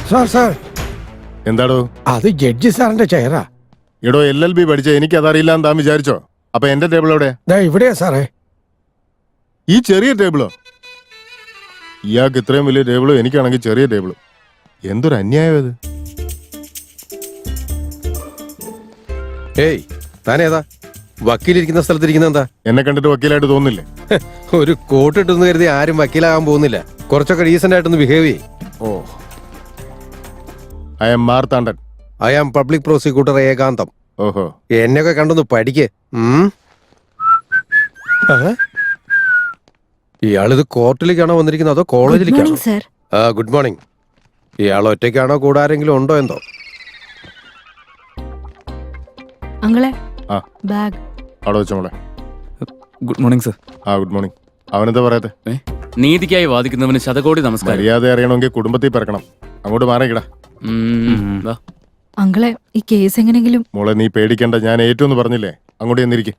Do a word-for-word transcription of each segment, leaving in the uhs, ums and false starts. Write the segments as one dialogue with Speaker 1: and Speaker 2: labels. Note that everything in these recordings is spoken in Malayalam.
Speaker 1: സാർ സാർ
Speaker 2: എന്താടോ?
Speaker 1: അത് ജഡ്ജി സാറിന്റെ ചെയറാ.
Speaker 2: എടോ, എൽ എൽ ബി പഠിച്ച എനിക്ക് അതറിയില്ലാന്ന് താൻ വിചാരിച്ചോ? അപ്പൊ എന്റെ ടേബിൾ എവിടെ?
Speaker 1: ഇവിടെയാ സാറേ.
Speaker 2: ഈ ചെറിയ ടേബിളോ? ഇയാൾക്ക് ഇത്രയും വലിയ ടേബിളും എനിക്കാണെങ്കിൽ ചെറിയ ടേബിളും. എന്തൊരു അന്യായം ഇത്.
Speaker 3: ഏയ്, താനേതാ? വക്കീലിരിക്കുന്ന സ്ഥലത്തിരിക്കുന്ന എന്താ?
Speaker 2: എന്നെ കണ്ടിട്ട് വക്കീലായിട്ട് തോന്നില്ലേ?
Speaker 3: ഒരു കോട്ട് ഇട്ടെന്ന് കരുതി ആരും വക്കീലാകാൻ പോകുന്നില്ല. കുറച്ചൊക്കെ ഡീസന്റ് ആയിട്ടൊന്ന് ബിഹേവ് ചെയ്യും.
Speaker 2: Oh, I am Marthandan.
Speaker 3: I am public prosecutor Ekantham.
Speaker 2: ഓഹോ,
Speaker 3: എന്നെയൊക്കെ കണ്ടൊന്ന് പഠിക്ക്. ഇയാളിത് കോർട്ടിലേക്കാണോ വന്നിരിക്കുന്നത് അതോ കോളേജിലേക്കാണോ? ആ, ഗുഡ് മോർണിംഗ്. ഇയാൾ ഒറ്റയ്ക്കാണോ കൂടെ ആരെങ്കിലും ഉണ്ടോ എന്തോ?
Speaker 4: അങ്ങളെ
Speaker 2: ആ
Speaker 4: ബാഗ്
Speaker 2: അവിടെ വെച്ചോ മോളെ.
Speaker 5: Good morning sir.
Speaker 2: ആ ഗുഡ് മോർണിംഗ്. അവനെന്താ പറയത്തെ?
Speaker 5: നീതിക്കായി വാദിക്കുന്നവന് ശതകോടി നമസ്കാരം.
Speaker 2: മര്യാദ അറിയണമെങ്കിൽ കുടുംബത്തിൽ പിറക്കണം. അങ്ങോട്ട് മാറിക്കിടാ.
Speaker 4: അങ്ങളെ ഈ കേസ് എങ്ങനെങ്കിലും.
Speaker 2: മോളെ നീ പേടിക്കണ്ട, ഞാൻ ഏറ്റവും പറഞ്ഞില്ലേ. അങ്ങോട്ട് ചെന്നിരിക്കും.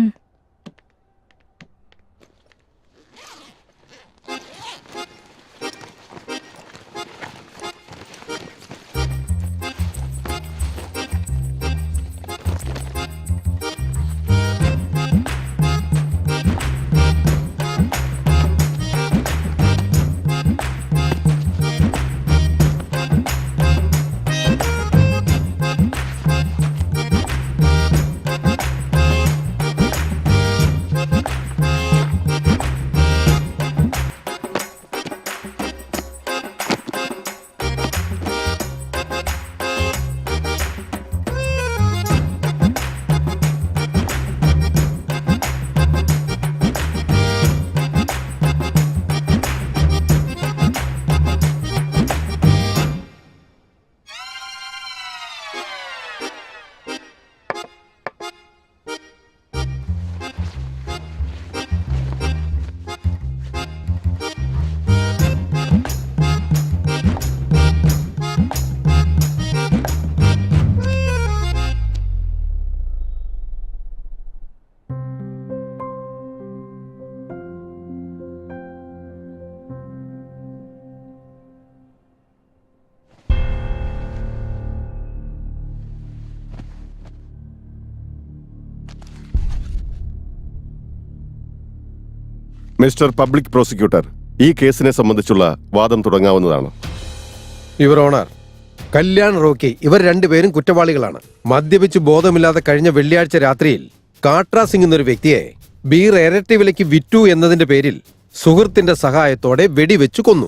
Speaker 6: മിസ്റ്റർ പബ്ലിക് പ്രോസിക്യൂട്ടർ, ഈ കേസിനെ സംബന്ധിച്ചുള്ള വാദം തുടങ്ങാവുന്നതാണ്.
Speaker 3: യുവർ ഓണർ, കല്യാൺ റോക്കി ഇവർ രണ്ടുപേരും കുറ്റവാളികളാണ്. മദ്യപിച്ച് ബോധമില്ലാതെ കഴിഞ്ഞ വെള്ളിയാഴ്ച രാത്രിയിൽ കാട്രാ സിംഗ് എന്നൊരു വ്യക്തിയെ ബീർ ഇരട്ടി വിലയ്ക്ക് വിറ്റു എന്നതിന്റെ പേരിൽ സുഹൃത്തിന്റെ സഹായത്തോടെ വെടിവെച്ചു കൊന്നു.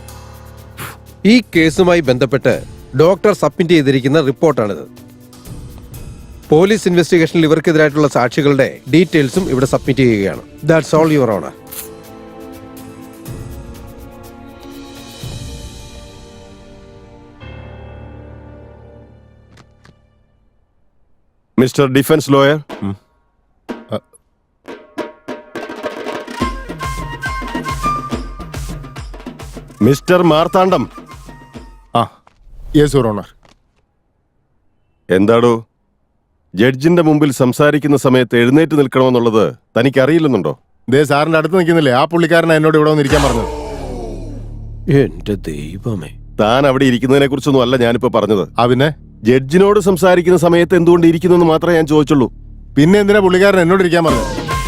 Speaker 3: ഈ കേസുമായി ബന്ധപ്പെട്ട് ഡോക്ടർ സബ്മിറ്റ് ചെയ്തിരിക്കുന്ന റിപ്പോർട്ടാണിത്. പോലീസ് ഇൻവെസ്റ്റിഗേഷനിൽ ഇവർക്കെതിരായിട്ടുള്ള സാക്ഷികളുടെ ഡീറ്റെയിൽസും ഇവിടെ സബ്മിറ്റ് ചെയ്യുകയാണ്. That's all your honour.
Speaker 6: Mister defence lawyer, mister Marthandam.
Speaker 2: ആ യെസ് യുവർ ഓണർ.
Speaker 6: എന്താടോ, ജഡ്ജിന്റെ മുമ്പിൽ സംസാരിക്കുന്ന സമയത്ത് എഴുന്നേറ്റ് നിൽക്കണമെന്നുള്ളത് തനിക്ക് അറിയില്ലെന്നുണ്ടോ?
Speaker 2: ദേ സാറിന്റെ അടുത്ത് നിൽക്കുന്നില്ലേ ആ പുള്ളിക്കാരനെ എന്നോട് ഇവിടെ വന്നിരിക്കാൻ പറഞ്ഞത്.
Speaker 3: എന്റെ ദൈവമേ,
Speaker 6: താൻ അവിടെ ഇരിക്കുന്നതിനെ കുറിച്ചൊന്നും അല്ല ഞാനിപ്പോ പറഞ്ഞത്.
Speaker 2: ആ പിന്നെ
Speaker 6: ജഡ്ജിനോട് സംസാരിക്കുന്ന സമയത്ത് എന്തുകൊണ്ട് ഇരിക്കുന്നു മാത്രമേ ഞാൻ ചോദിച്ചുള്ളൂ.
Speaker 2: പിന്നെ എന്തിനാ പുള്ളിക്കാരൻ എന്നോട് ഇരിക്കാൻ പറഞ്ഞത്?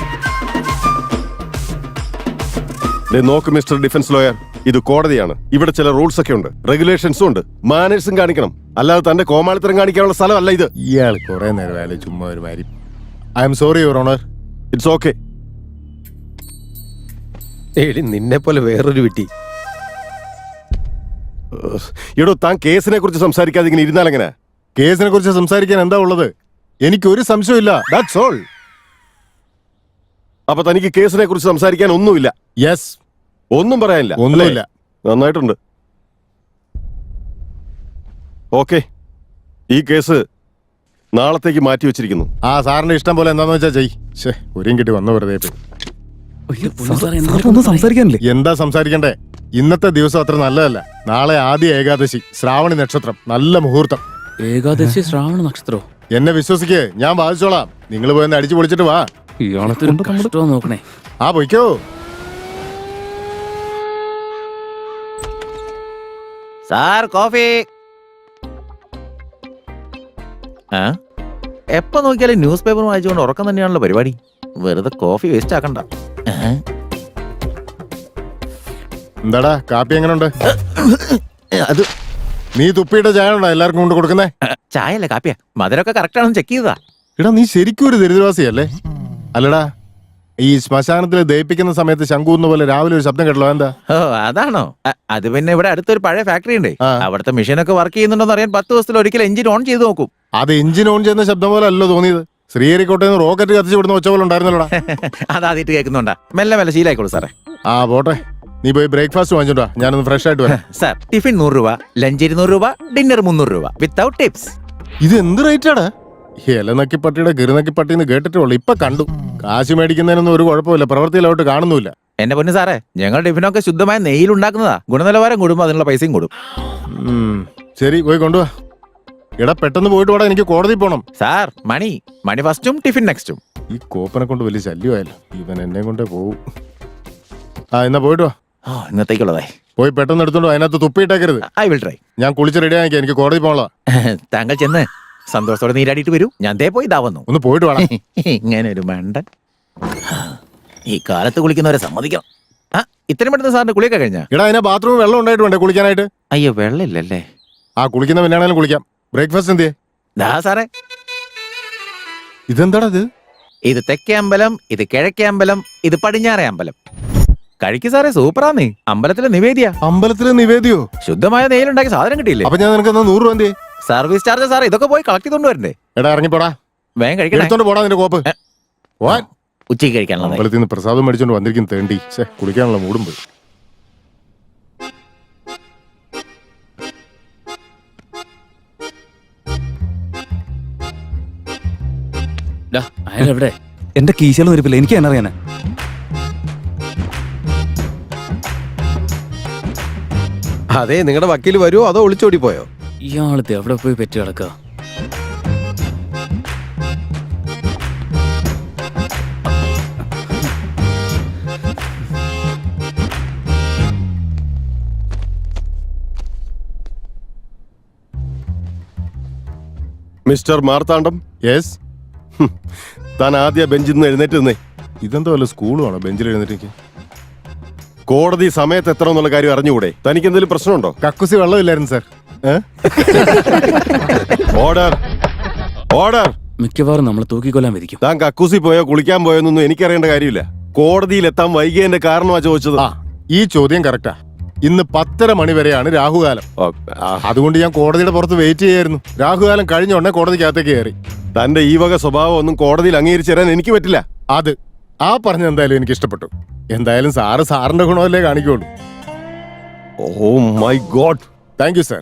Speaker 6: നോക്ക് മിസ്റ്റർ ഡിഫൻസ് ലോയർ, ഇത് കോടതിയാണ്. ഇവിടെ ചില റൂൾസ് ഒക്കെ ഉണ്ട്, റെഗുലേഷൻസും ഉണ്ട്. മാനേഴ്സും കാണിക്കണം. അല്ലാതെ തന്റെ കോമാളിത്തരം കാണിക്കാനുള്ള സ്ഥലമല്ല ഇത്.
Speaker 2: ഇയാൾ കുറെ നേരം ആയാലും ചുമ്മാ ഒരു മാരി. I am sorry your honour.
Speaker 6: It's okay.
Speaker 3: എടി നിന്നെ പോലെ വേറൊരു വിട്ടി.
Speaker 6: എടോ, താൻ കേസിനെ കുറിച്ച് സംസാരിക്കാതെ ഇങ്ങനെ ഇരുന്നാൽ എങ്ങനെ?
Speaker 2: കേസിനെ കുറിച്ച് സംസാരിക്കാൻ എന്താ ഉള്ളത്? എനിക്കൊരു സംശയമില്ല. That's all.
Speaker 6: അപ്പൊ തനിക്ക് കേസിനെ കുറിച്ച് സംസാരിക്കാൻ ഒന്നുമില്ല?
Speaker 2: യെസ്.
Speaker 6: ഒന്നും പറയാനില്ല?
Speaker 2: ഒന്നുമില്ല.
Speaker 6: നന്നായിട്ടുണ്ട്. ഓക്കെ, ഈ കേസ് നാളത്തേക്ക് മാറ്റി വെച്ചിരിക്കുന്നു.
Speaker 2: ആ സാറിന്റെ ഇഷ്ടം പോലെ എന്താന്ന് വെച്ചാ ചെയ്. ശേ, ഒരും കിട്ടി വന്നു വെറുതെ.
Speaker 5: സംസാരിക്കാനില്ലേ?
Speaker 2: എന്താ സംസാരിക്കണ്ടേ? ഇന്നത്തെ ദിവസം അത്ര നല്ലതല്ല. നാളെ ആദ്യ ഏകാദശി, ശ്രാവണി നക്ഷത്രം, നല്ല മുഹൂർത്തം.
Speaker 5: ഏകാദശി ശ്രാവണ നക്ഷത്രോ?
Speaker 2: എന്നെ വിശ്വസിക്കേ, ഞാൻ ബാധിച്ചോളാം. നിങ്ങൾ പോയി അടിച്ചു പൊളിച്ചിട്ട് വാ.
Speaker 5: നോക്കണേ.
Speaker 2: ആ പൊയ്ക്കോ.
Speaker 7: Sir coffee. ആ എപ്പോ നോക്കിയാലും ന്യൂസ് പേപ്പർ വായിച്ചുകൊണ്ട് ഉറക്കം തന്നെയാണല്ലോ പരിപാടി. വെറുതെ കോഫി വേസ്റ്റ് ആക്കണ്ട. ഏ?
Speaker 2: എന്താടാ കാപ്പി എങ്ങനെയുണ്ട്?
Speaker 7: അത്
Speaker 2: നീ തുപ്പിയുടെ ചായ ഉണ്ടോ എല്ലാവർക്കും കൊണ്ട് കൊടുക്കുന്നേ?
Speaker 7: ചായ അല്ലേ കാപ്പിയാ? മധുരമൊക്കെ കറക്റ്റ് ആണെന്ന് ചെക്ക് ചെയ്തതാ.
Speaker 2: എടാ നീ ശരിക്കും ഒരു ദരിദ്രവാസിയല്ലേ? അല്ലടാ ഈ ശ്മശാനത്തിൽ ദഹിപ്പിക്കുന്ന സമയത്ത് ശങ്കൂന്ന പോലെ രാവിലെ ഒരു ശബ്ദം കേട്ടല്ലോ, എന്താ?
Speaker 7: ഓ അതാണോ? അ- അത് പിന്നെ ഇവിടെ അടുത്തൊരു പഴയ ഫാക്ടറി ഉണ്ട്.
Speaker 2: ആ.
Speaker 7: അവിടുത്തെ മെഷീനൊക്കെ വർക്ക് ചെയ്യുന്നുണ്ടോന്ന് അറിയാൻ പത്ത് ദിവസത്തിൽ ഒരിക്കൽ എഞ്ചിൻ ഓൺ ചെയ്ത് നോക്കും.
Speaker 2: അത് എഞ്ചിൻ ഓൺ ചെയ്യുന്ന ശബ്ദം പോലെ അല്ലോ തോന്നിയത്. ശ്രീഹരിക്കോട്ടയിൽ നിന്ന് റോക്കറ്റ് കത്തിച്ച് വിടുന്ന ഒച്ച പോലെ ഉണ്ടായിരുന്നല്ലോടാ.
Speaker 7: അതാദ്യമായിട്ട് കേൾക്കുന്നുണ്ടാ. മെല്ലെ മെല്ലെ ശീലായിക്കോളൂ സാറേ.
Speaker 2: ആ പോട്ടെ, നീ പോയി ബ്രേക്ക്ഫാസ്റ്റ് വാങ്ങിച്ചോണ്ടാ, ഞാനൊന്ന് ഫ്രഷ് ആയിട്ട് വരാം.
Speaker 7: സാർ ടിഫിൻ നൂറ് രൂപ, ലഞ്ച് ഇരുന്നൂറ് രൂപ, ഡിന്നർ മുന്നൂറ് രൂപ വിത്തൗട്ട് ടിപ്സ്.
Speaker 2: ഇത് എന്ത് റേറ്റാടാ? ഇലനക്കിപ്പട്ടിയുടെ ഗിരുനക്കിപ്പട്ടിന്ന് കേട്ടിട്ടുള്ളൂ, ഇപ്പൊ കണ്ടു. കാശ് മേടിക്കുന്നതിനൊന്നും ഒരു കുഴപ്പമില്ല, പ്രവൃത്തിയിലോട്ട് കാണുന്നില്ല.
Speaker 7: എന്റെ പൊന്നു സാറേ, ഞങ്ങൾ ടിഫിനൊക്കെ ശുദ്ധമായ നെയ്യിൽ ഉണ്ടാക്കുന്നതാ. ഗുണനിലവാരം കൂടുമ്പോ അതിനുള്ള പൈസയും കൂടും.
Speaker 2: ഉം, ശരി പോയി കൊണ്ടുവാ. എടാ പെട്ടെന്ന് പോയിട്ട് വേടാ, എനിക്ക് കോടതി പോണം.
Speaker 7: സാർ മണി മണി ഫസ്റ്റും ടിഫിൻ നെക്സ്റ്റും.
Speaker 2: ഈ കോപ്പനെ കൊണ്ട് വലിയ ശല്യമായല്ലോ, ഇവൻ എന്നെ കൊണ്ടേ പോവും. ആ എന്നാ പോയിട്ട് വാ.
Speaker 7: ഓ ഇന്നത്തേക്കുള്ളതായി.
Speaker 2: പോയി പെട്ടെന്ന് എടുത്തോണ്ട് വാ, അതിനകത്ത് തുപ്പിയിട്ടേക്കരുത്.
Speaker 7: I will try.
Speaker 2: ഞാൻ കുളിച്ച് റെഡി ആക്കിയാ, എനിക്ക് കോടതി പോകണല്ലോ.
Speaker 7: താങ്കൾ ചെന്ന് സന്തോഷത്തോടെ നീരാടിയിട്ട് വരൂ. ഞാൻ ദേ പോയി ഇതാ വന്നു.
Speaker 2: ഒന്ന് പോയിട്ട് വേണം.
Speaker 7: ഇങ്ങനെ ഒരു മണ്ടൻ. ഈ കാലത്ത് കുളിക്കുന്നവരെ സമ്മതിക്കണം. ആ ഇത്രയും പെട്ടെന്ന് സാറിന്റെ കുളിയൊക്കെ കഴിഞ്ഞാ?
Speaker 2: എടാ അതിനെ ബാത്റൂമിൽ വെള്ളം ഉണ്ടായിട്ട് വേണ്ടേ കുളിക്കാനായിട്ട്?
Speaker 7: അയ്യോ വെള്ളമില്ലല്ലേ.
Speaker 2: ആ കുളിക്കുന്ന പിന്നാണേലും കുളിക്കാം. ബ്രേക്ക്ഫാസ്റ്റ് എന്തിയെ?
Speaker 7: ദാ സാറേ,
Speaker 2: ഇതെന്താടാ ഇത്?
Speaker 7: ഇത് തെക്കേ അമ്പലം, ഇത് കിഴക്കേ അമ്പലം, ഇത് പടിഞ്ഞാറേ അമ്പലം. കഴിക്ക് സാറേ, സൂപ്പറാന്നേ. അമ്പലത്തിലെ നിവേദ്യ.
Speaker 2: അമ്പലത്തിലെ നിവേദ്യോ?
Speaker 7: ശുദ്ധമായ നെയ്യിലുണ്ടാക്കിയ സാധനം കിട്ടിയില്ലേ?
Speaker 2: അപ്പൊ ഞാൻ നിനക്ക് എന്നാ നൂറ് രൂപ എന്തിയെ?
Speaker 7: സർവീസ് ചാർജ് സാറേ, ഇതൊക്കെ പോയി കളക്ട് ചെയ്തോണ്ട് വരണ്ടേ?
Speaker 2: എടാ ഇറങ്ങിപ്പോടാ,
Speaker 7: വേഗം കഴിക്കണേ.
Speaker 2: എടുത്തോണ്ട് പോടാ നിന്റെ കോപ്പ്. വാ.
Speaker 7: ഉച്ചയ്ക്ക് കഴിക്കാനുള്ളത്.
Speaker 2: അമ്പലത്തിൽ നിന്ന് പ്രസാദം മേടിച്ചോണ്ട് വന്നിരിക്കും തേണ്ടി. ഛേ, കുളിക്കാനുള്ള മൂടും പോയി.
Speaker 5: ഡാ, അയാളെവിടെ?
Speaker 8: എന്റെ കീശയിലും ഇരിപ്പില്ല, എനിക്ക് തന്നെ അറിയാനാ.
Speaker 3: അതെ, നിങ്ങളുടെ വക്കീൽ വരുമോ അതോ ഒളിച്ചോടി പോയോ?
Speaker 5: ഇയാളത്തെ എവിടെ പോയി പെറ്റി കിടക്കുക?
Speaker 6: Mister Marthandam,
Speaker 2: yes.
Speaker 6: താൻ ആദ്യ ബെഞ്ചിൽ നിന്ന് എഴുന്നേറ്റ് നിന്നേ.
Speaker 2: ഇതെന്തോ വല്ല സ്കൂളുമാണോ ബെഞ്ചിൽ എഴുന്നേറ്റ്?
Speaker 6: കോടതി സമയത്ത് എത്ര എന്നുള്ള കാര്യം അറിഞ്ഞുകൂടെ? തനിക്ക് എന്തെങ്കിലും പ്രശ്നമുണ്ടോ?
Speaker 2: കക്കുസി വെള്ളമില്ലായിരുന്നു സാർ.
Speaker 6: Order, order.
Speaker 5: മിക്കവാറും നമ്മളെ തൂക്കിക്കൊല്ലാൻ വിധിക്കും.
Speaker 6: താൻ കക്കൂസി പോയോ കുളിക്കാൻ പോയോന്നൊന്നും എനിക്കറിയേണ്ട കാര്യമില്ല. കോടതിയിൽ എത്താൻ വൈകിയതിന്റെ കാരണമാ ചോദിച്ചത്.
Speaker 2: ആ ഈ ചോദ്യം കറക്റ്റാ. ഇന്ന് പത്തര മണി വരെയാണ് രാഹുകാലം.
Speaker 6: ഓ, ആ,
Speaker 2: അതുകൊണ്ട് ഞാൻ കോടതിയുടെ പുറത്ത് വെയിറ്റ് ചെയ്യായിരുന്നു. രാഹുകാലം കഴിഞ്ഞ ഉടനെ കോടതിക്കകത്തേക്ക് കയറി.
Speaker 6: തന്റെ ഈ വക സ്വഭാവം ഒന്നും കോടതിയിൽ അംഗീകരിച്ചു തരാൻ എനിക്ക് പറ്റില്ല.
Speaker 2: അത് ആ പറഞ്ഞ എന്തായാലും എനിക്ക് ഇഷ്ടപ്പെട്ടു. എന്തായാലും സാറ് സാറിന്റെ ഗുണമല്ലേ കാണിക്കുള്ളൂ.
Speaker 6: Oh my god.
Speaker 2: Thank you sir.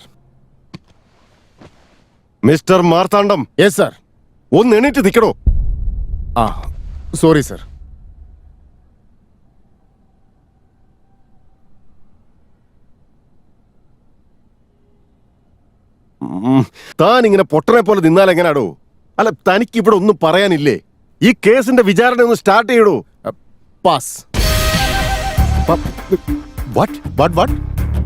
Speaker 6: Mister Marthandam,
Speaker 2: yes sir.
Speaker 6: ഒന്ന് എണീറ്റ് നിൽക്കണോ?
Speaker 2: ആ സോറി സാർ.
Speaker 6: ഉം, താൻ ഇങ്ങനെ പൊട്ടനെ പോലെ നിന്നാൽ എങ്ങനാടോ? അല്ല, തനിക്ക് ഇവിടെ ഒന്നും പറയാനില്ലേ? ഈ കേസിന്റെ വിചാരണ ഒന്ന് സ്റ്റാർട്ട് ചെയ്യടോ.
Speaker 2: പാസ്.
Speaker 6: What
Speaker 2: what what?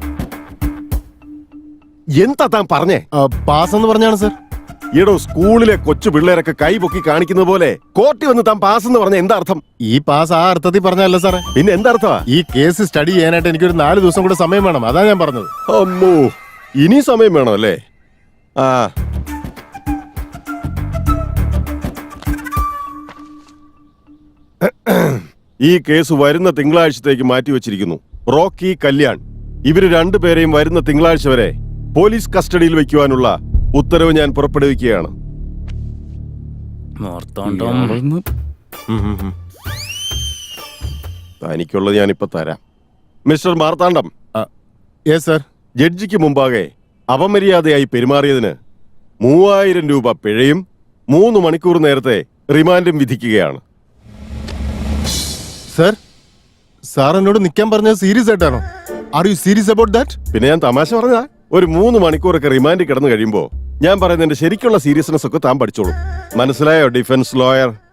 Speaker 6: എന്താ താൻ പറഞ്ഞേ?
Speaker 2: പാസ് എന്ന് പറഞ്ഞാണ് സാർ.
Speaker 6: ഈടോ, സ്കൂളിലെ കൊച്ചു പിള്ളേരൊക്കെ കൈ പൊക്കി കാണിക്കുന്നത് പോലെ കോർട്ടിൽ വന്ന് താൻ പാസ് എന്ന് പറഞ്ഞ എന്താ അർത്ഥം?
Speaker 2: ഈ പാസ് ആ അർത്ഥത്തിൽ പറഞ്ഞല്ല സാറേ.
Speaker 6: പിന്നെ എന്താ അർത്ഥമാ?
Speaker 2: ഈ കേസ് സ്റ്റഡി ചെയ്യാനായിട്ട് എനിക്കൊരു നാല് ദിവസം കൂടെ സമയം വേണം, അതാ ഞാൻ പറഞ്ഞത്.
Speaker 6: അമ്മോ, ഇനി സമയം വേണം അല്ലേ? ആ ഈ കേസ് വരുന്ന തിങ്കളാഴ്ചത്തേക്ക് മാറ്റിവെച്ചിരിക്കുന്നു. റോക്കി, കല്യാൺ ഇവര് രണ്ടുപേരെയും വരുന്ന തിങ്കളാഴ്ച വരെ പോലീസ് കസ്റ്റഡിയിൽ വയ്ക്കുവാനുള്ള ഉത്തരവ് ഞാൻ പുറപ്പെടുവിക്കുകയാണ്.
Speaker 5: മാർത്താണ്ഡം.
Speaker 2: ഉം, ഉം, ഉം.
Speaker 6: തനിക്കുള്ളത് ഞാനിപ്പോ തരാം. Mister Marthandam,
Speaker 2: yes sir.
Speaker 6: ജഡ്ജിക്ക് മുമ്പാകെ അപമര്യാദയായി പെരുമാറിയതിന് മൂവായിരം രൂപ പിഴയും മൂന്ന് മണിക്കൂർ നേരത്തെ റിമാൻഡും വിധിക്കുകയാണ്.
Speaker 2: സാർ, സാർ എന്നോട് നിൽക്കാൻ പറഞ്ഞത് സീരിയസ് ആയിട്ടാണോ? Are you serious about that?
Speaker 6: പിന്നെ ഞാൻ തമാശ പറഞ്ഞാ? ഒരു മൂന്ന് മണിക്കൂറൊക്കെ റിമാൻഡിൽ കിടന്നു കഴിയുമ്പോ ഞാൻ പറയുന്നതിന്റെ ശരിക്കുള്ള സീരിയസ്നെസ് ഒക്കെ താൻ പഠിച്ചോളൂ. മനസ്സിലായോ ഡിഫൻസ് ലോയർ?